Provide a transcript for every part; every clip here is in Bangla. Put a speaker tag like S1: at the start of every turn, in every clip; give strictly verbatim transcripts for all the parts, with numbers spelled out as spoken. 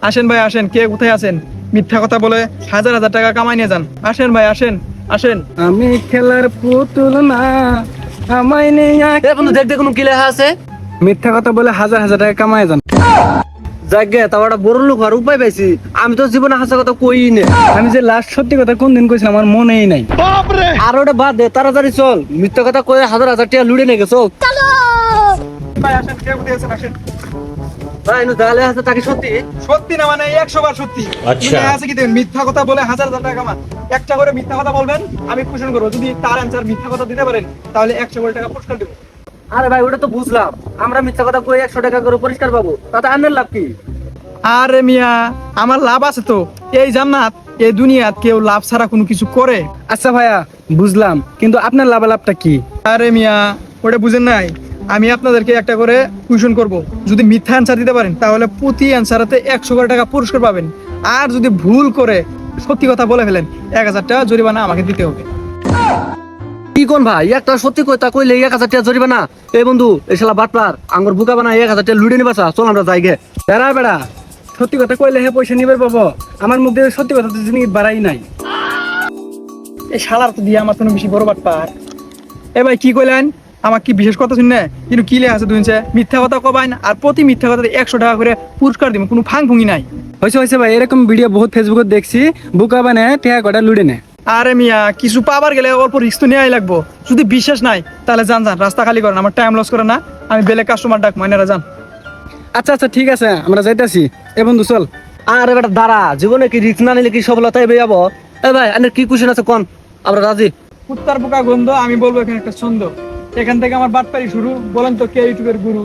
S1: আসেন ভাই আসেন, কে কোথায় আছেন? মিথ্যা কথা বলে হাজার হাজার টাকা কামাই নিয়ে যান। আসেন ভাই আসেন আসেন।
S2: আমি খেলার পুতুল না, আমায় নেই
S3: এ বন্ধু দেখ দেখ কোনো কি লেখা আছে।
S2: মিথ্যা কথা বলে হাজার হাজার টাকা কামায় যান।
S3: যাকে তাও একটা বড় লোক আর উপায় পাইছি। আমি তো জীবনে হাসা কথা কই নে।
S2: আমি যে লাস্ট সত্যি কথা কোন দিন কইছিলাম আমার মনেই নাই।
S3: আর ওটা বাদ দে, তাড়াতাড়ি চল। মিথ্যা কথা কয়ে হাজার হাজার টাকা লুড়ে নিয়ে গেছো।
S1: ভাই আসেন, কে কোথায় আছেন আসেন।
S3: ভাই নু তাহলে আছে তাকে সত্যি।
S1: সত্যি না মানে একশো বার সত্যি।
S4: আচ্ছা।
S1: আছে কি দেখেন, মিথ্যা কথা বলে হাজার হাজার টাকা কামান। একটা করে মিথ্যা কথা বলবেন, আমি কোশ্চেন করবো, যদি তার অ্যান্সার মিথ্যা কথা দিতে পারেন তাহলে একশো কোটি টাকা পুরস্কার দেবো।
S3: আরে ভাই ওটা তো বুঝলাম, আমরা মিথ্যা কথা কয়ে একশো টাকা করে পরিষ্কার পাবো, তাতে আন্নের লাভ কি?
S1: আরে মিয়া, আমার লাভ আছে তো। এই জান্নাত, এই দুনিয়াত কেউ লাভ ছাড়া কোনো কিছু করে?
S2: আচ্ছা ভাইয়া বুঝলাম, কিন্তু আপনার লাভালাভটা কি?
S1: আরে মিয়া, ওটা বুঝেন নাই। আমি আপনাদেরকে একটা করে কোশ্চেন করব, যদি মিথ্যা অ্যান্সার দিতে পারেন তাহলে প্রতি অ্যান্সারেতে একশো কোটি টাকা পুরস্কার পাবেন। আর যদি ভুল করে সত্যি কথা বলে ফেলেন, এক হাজার টাকা জরিমানা আমাকে দিতে হবে।
S3: কি কোন ভাই, একটা সত্যি কথা কইলে এক হাজার টাকা জরিবে না? এই বন্ধু এই শালা বাটপার আঙ্গুর বুকা বানা এক হাজার টাকা লুড়ে নিবাসা। চল আমরা যাই গে।
S2: বেড়া বেড়া, সত্যি কথা কইলে হে পয়সা নিবে পাবো। আমার মধ্যে সত্যি কথা তো জিনিস বাড়াই নাই।
S1: এই শালার তো দিয়ে আমার কোনো বেশি বড় বাটপার। এ ভাই কি কইলেন? আমার কি বিশেষ কথা শুনে কিন্তু কি লেখা আছে দুইছে মিথ্যা কথা কবাইন, আর প্রতি মিথ্যা কথাতে একশো টাকা করে পুরস্কার দিব, কোনো ফাং ফুঙ্গি নাই।
S2: হয়েছে হয়েছে ভাই, এরকম ভিডিও বহুত ফেসবুকে দেখছি। বুকা বানে টেহা কটা লুড়ে নে।
S1: আরে মিয়া, কিছু পাবার গেলে অল্প রিস্ক তো নেওয়াই লাগবো। যদি বিশ্বাস নাই তাহলে যান যান, রাস্তা খালি করেন, আমার টাইম লস করে না। আমি বেলে কাস্টমার ডাক মাইনারা যান।
S2: আচ্ছা আচ্ছা ঠিক আছে, আমরা যাইতাছি। এ বন্ধু চল।
S3: আরে বেটা দাঁড়া, জীবনে কি রিস্ক না নিলে কি সফলতাই বেয়ে যাবো? এ ভাই আন্নের কি কোশ্চেন আছে কোন, আমরা রাজি।
S1: কুত্তার পোকা গন্ধ, আমি বলবো এখানে একটা ছন্দ। এখান থেকে আমার বাটপারি শুরু। বলেন তো কে ইউটিউবের গুরু?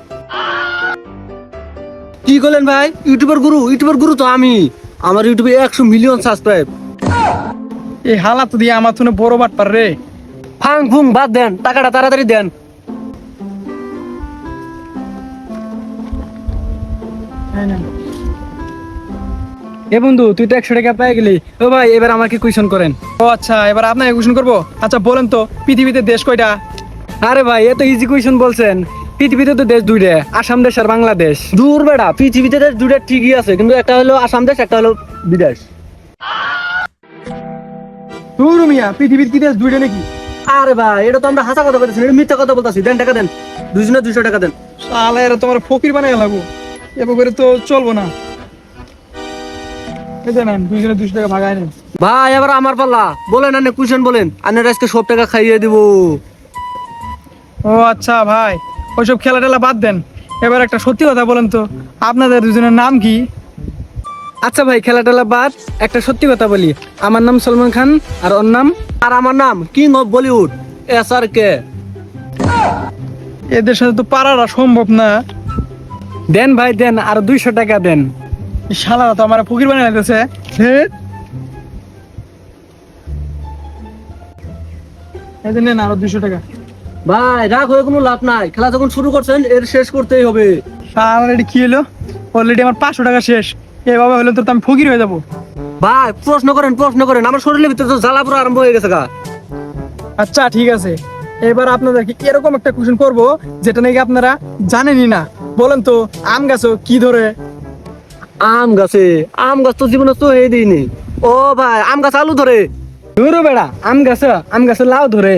S3: কি করলেন ভাই? ইউটিউবের গুরু? ইউটিউবের গুরু তো আমি। আমার ইউটিউবে একশো মিলিয়ন সাবস্ক্রাইব।
S1: এই হালাত দিয়ে আমার তো বড় বাটপার রে।
S3: ফাং ফুং বাদ দেন, টাকাটা তাড়াতাড়ি দেন।
S2: এ বন্ধু তুই তো একশো টাকা পেয়ে গেলি। ও ভাই এবার আমাকে কুইশন করেন।
S1: ও আচ্ছা, এবার আপনাকে কোশ্চেন করবো। আচ্ছা বলেন তো পৃথিবীতে দেশ কয়টা?
S2: আরে ভাই এত ইজি কুইশন বলছেন। পৃথিবীতে তো দেশ দুইটা, আসাম দেশ আর বাংলাদেশ।
S3: দূর বেড়া, পৃথিবীতে দেশ দুটা ঠিকই আছে, কিন্তু একটা হলো আসাম দেশ, একটা হলো বিদেশ।
S1: ধুর মিয়া, পৃথিবীর কি দেশ দুইটা নাকি?
S3: আরে ভাই এটা তো আমরা হাসা কথা বলতেছি, এটা মিথ্যা কথা বলতেছি। দেন টাকা দেন, দুইজনে দুইশো টাকা দেন।
S1: তাহলে এরা তোমার ফকির বানাই লাগবো, এবার করে তো চলবো না। এই যে নেন, দুইজনে দুইশো টাকা ভাগায় নেন।
S3: ভাই এবার আমার পাল্লা, বলেন আনে কুইশন বলেন, আনের আজকে সব টাকা খাইয়ে দিব।
S1: ও আচ্ছা ভাই, ওইসব খেলা টেলা বাদ দেন। এবার একটা সত্যি কথা বলেন তো, আপনাদের দুজনের নাম কি?
S2: আচ্ছা ভাই খেলা টেলা বাদ, একটা সত্যি কথা বলি। আমার নাম সলমান খান আর ওর নাম?
S3: আর আমার নাম king of Bollywood, S R K.
S1: এদের সাথে তো পারাটা সম্ভব না।
S2: দেন ভাই দেন, আর দুইশো টাকা দেন।
S1: এই শালারা তো আমার ফকির বানাই লাগতেছে। এই যে নেন আরো দুইশো টাকা।
S3: ভাই রাগ হয়ে কোনো লাভ নাই, খেলা যখন শুরু করছেন এর শেষ করতেই হবে।
S1: অলরেডি কি হলো? অলরেডি আমার পাঁচশো টাকা শেষ। এভাবে হলে তো আমি ফকির হয়ে যাবো।
S3: ভাই প্রশ্ন করেন প্রশ্ন করেন, আমার শরীরের ভিতরে তো জ্বালা পুরো আরম্ভ হয়ে গেছে গা।
S1: আচ্ছা ঠিক আছে, এবার আপনাদেরকে এরকম একটা কোশ্চেন করব যেটা নাকি আপনারা জানেনই না। বলেন তো আম গাছও কি ধরে?
S3: আম গাছে? আম গাছ তো জীবনে তো হয়ে দিইনি। ও ভাই আম গাছ আলু ধরে।
S2: ধরো বেড়া, আম গাছ আম গাছে লাউ ধরে।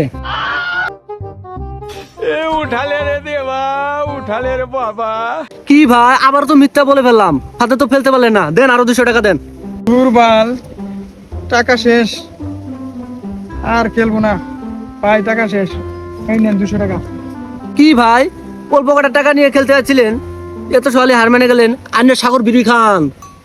S3: কি ভাই আবার তো মিথ্যা বলে ফেললাম, হাতে তো ফেলতে পারলেন না। দেন আরো দুশো টাকা দেন।
S1: দুর্বাল, টাকা শেষ, আর খেলবো না ভাই, টাকা শেষ। এই নেন দুশো টাকা।
S3: কি ভাই অল্প কটা টাকা নিয়ে খেলতে যাচ্ছিলেন, এত সকালে হার মেনে গেলেন। আন্নের সাগর বিড়ি খান।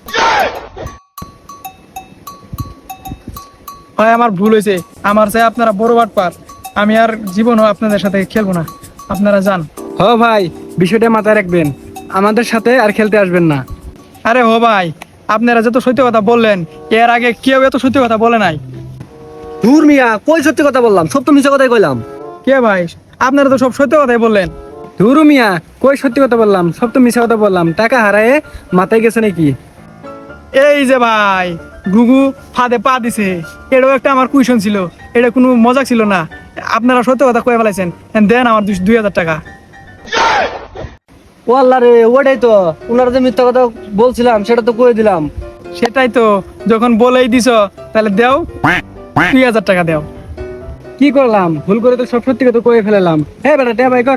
S1: ভাই আমার ভুল হয়েছে, আমার চাই আপনারা বড় বাটপার। আমি আর জীবনও আপনাদের সাথে খেলবো না, আপনারা যান।
S2: হ ভাই বিষয়টা মাথায় রাখবেন, আমাদের সাথে আর খেলতে আসবেন না।
S1: আরে হো ভাই, আপনারা যত সত্যি কথা বললেন, এর আগে কেউ এত সত্যি কথা বলে নাই।
S3: ধুর মিয়া, কই সত্যি কথা বললাম, সব তো মিথ্যা কথাই কইলাম।
S1: কে ভাই? আপনারা তো সব সত্যি কথাই বললেন।
S2: ধুরু মিয়া, কই সত্যি কথা বললাম, সব তো মিছা কথা বললাম। টাকা হারায়ে মাথায় গেছে নাকি?
S1: এই যে ভাই, ঘুঘু ফাঁদে পা দিছে, এটাও একটা আমার কুইশন ছিল, এটা কোনো মজাক ছিল না। আপনারা সত্যি কথা কয়ে ফেলাইছেন। দেন আমার দুই হাজার টাকা।
S3: ও আল্লাহ রে, ওটাই তো ওনারা যে মিথ্যা কথা বলছিলাম সেটা তো কয়ে দিলাম।
S1: সেটাই তো, যখন বলেই দিছ তাহলে দেও, দুই হাজার টাকা দেও।
S2: কি করলাম, ভুল করে তো সব সত্যি কথা কয়ে ফেলালাম। হ্যাঁ বেটা, টে ভাই কর,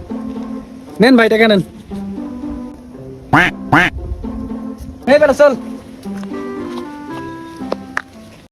S2: নেন ভাই টাকা নেন। এই বেটা চল।